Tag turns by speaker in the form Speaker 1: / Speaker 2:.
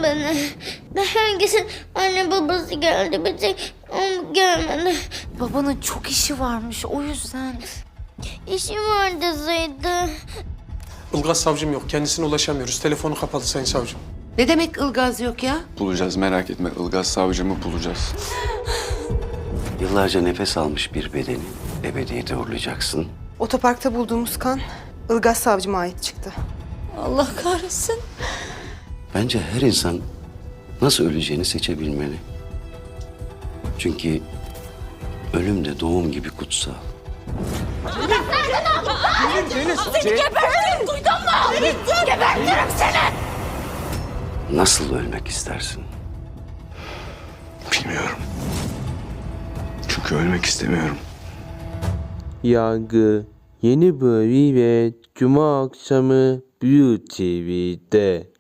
Speaker 1: beni. Herkesin anne babası geldi, bir tek o gelmedi.
Speaker 2: Babanın çok işi varmış, o yüzden.
Speaker 1: İşim var deseydi.
Speaker 3: Ilgaz savcım yok. Kendisine ulaşamıyoruz. Telefonu kapalı sayın savcım.
Speaker 4: Ne demek Ilgaz yok ya?
Speaker 5: Bulacağız, merak etme. Ilgaz savcımı bulacağız.
Speaker 6: Yıllarca nefes almış bir bedeni ebediyete uğurlayacaksın.
Speaker 7: Otoparkta bulduğumuz kan Ilgaz savcıma ait çıktı.
Speaker 2: Allah kahretsin.
Speaker 6: Bence her insan nasıl öleceğini seçebilmeli. Çünkü ölüm de doğum gibi kutsal.
Speaker 2: Gebertirim, duydun mu? Gebertirim seni.
Speaker 6: Nasıl ölmek istersin?
Speaker 5: Bilmiyorum. Çünkü ölmek istemiyorum.
Speaker 8: Yargı yeni bölümüyle Cuma akşamı Blue TV'de.